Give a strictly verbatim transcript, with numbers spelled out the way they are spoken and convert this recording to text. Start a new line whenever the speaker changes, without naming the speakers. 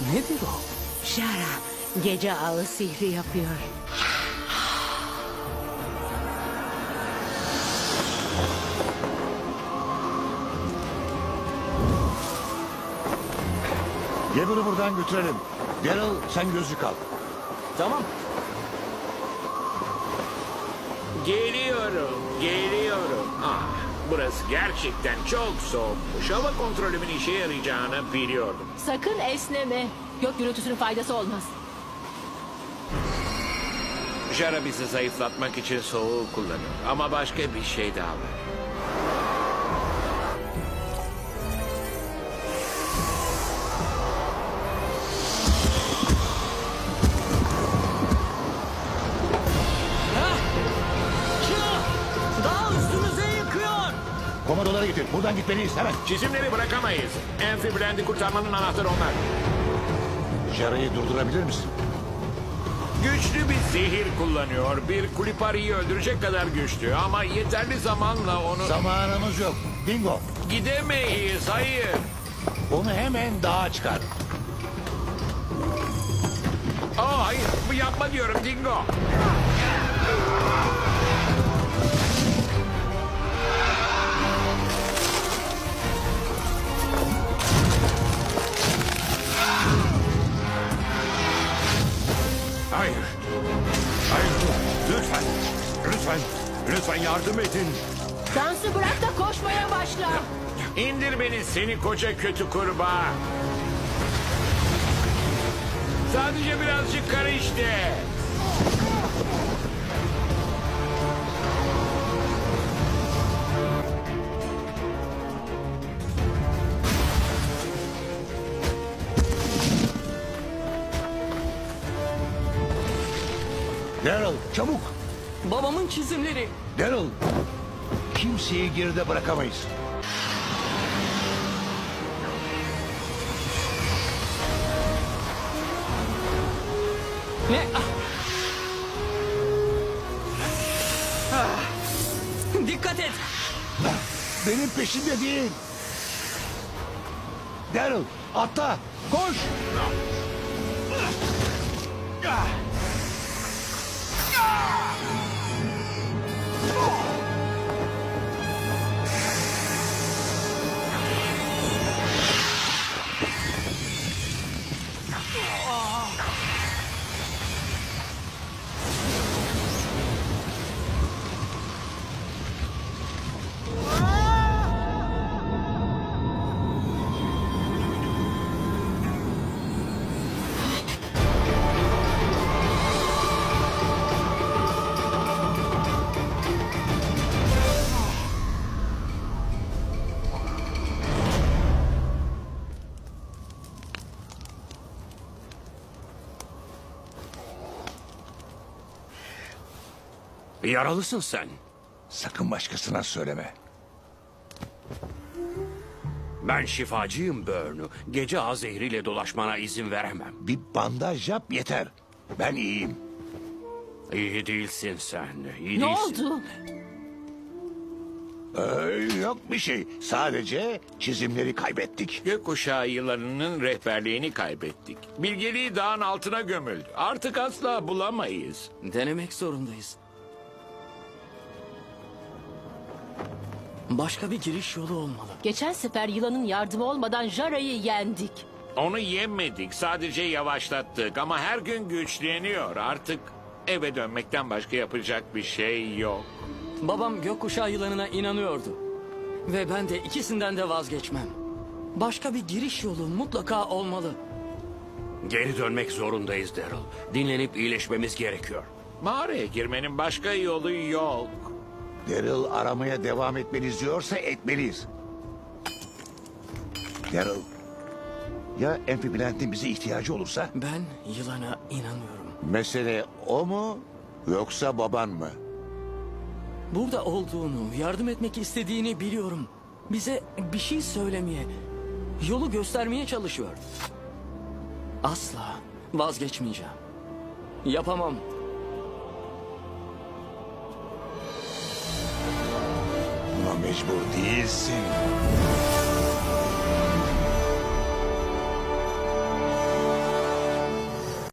Nedir o?
Şara gece ağı sihri yapıyor.
Gable'ı buradan götürelim. Daryl sen gözlük al.
Tamam.
Geliyorum, geliyorum. Ah, burası gerçekten çok soğukmuş. Hava kontrolümün işe yarayacağını biliyordum.
Sakın esneme. Gök gürültüsünün faydası olmaz.
Jara bizi zayıflatmak için soğuğu kullanıyor. Ama başka bir şey daha var.
Daha üstümüze yıkıyor.
Komodolara getir. Buradan gitmeliyiz hemen.
Çizimleri bırakamayız. Amfiblend'i kurtarmanın anahtarı onlar.
Jara'yı durdurabilir misin?
Güçlü bir zehir kullanıyor. Bir Kulipari'yi öldürecek kadar güçlü. Ama yeterli zamanla onu...
Zamanımız yok. Dingo.
Gidemeyiz, hayır.
Onu hemen dağa çıkar.
Aa, hayır, bu yapma diyorum Dingo.
Hayır. Hayır. Lütfen. Lütfen. Lütfen yardım edin.
Dansı bırak da koşmaya başla.
İndir beni seni koca kötü kurbağa. Sadece birazcık kar işte.
Daryl çabuk.
Babamın çizimleri.
Daryl. Kimseyi geride bırakamayız.
Ne? Ah. Ah. Dikkat et.
Benim peşimde değil. Daryl atla. Koş.
Yaralısın sen.
Sakın başkasına söyleme.
Ben şifacıyım Börnü. Gece ağ zehriyle dolaşmana izin veremem.
Bir bandaj yap yeter. Ben iyiyim.
İyi değilsin sen. İyi
Ne
değilsin.
oldu?
Ee, yok bir şey. Sadece çizimleri kaybettik.
Gökkuşağı yılanının rehberliğini kaybettik. Bilgeliği dağın altına gömüldü. Artık asla bulamayız.
Denemek zorundayız. Başka bir giriş yolu olmalı.
Geçen sefer yılanın yardımı olmadan Jara'yı yendik.
Onu yemedik, sadece yavaşlattık. Ama her gün güçleniyor. Artık eve dönmekten başka yapacak bir şey yok.
Babam gökkuşağı yılanına inanıyordu. Ve ben de ikisinden de vazgeçmem. Başka bir giriş yolu mutlaka olmalı.
Geri dönmek zorundayız Daryl. Dinlenip iyileşmemiz gerekiyor.
Mağaraya girmenin başka yolu yok.
Daryl aramaya devam etmeliyiz diyorsa etmeliyiz. Daryl, ya Amphiplant'in bize ihtiyacı olursa?
Ben yılana inanıyorum.
Mesele o mu yoksa baban mı?
Burada olduğunu, yardım etmek istediğini biliyorum. Bize bir şey söylemeye, yolu göstermeye çalışıyor. Asla vazgeçmeyeceğim. Yapamam.
Buna mecbur değilsin.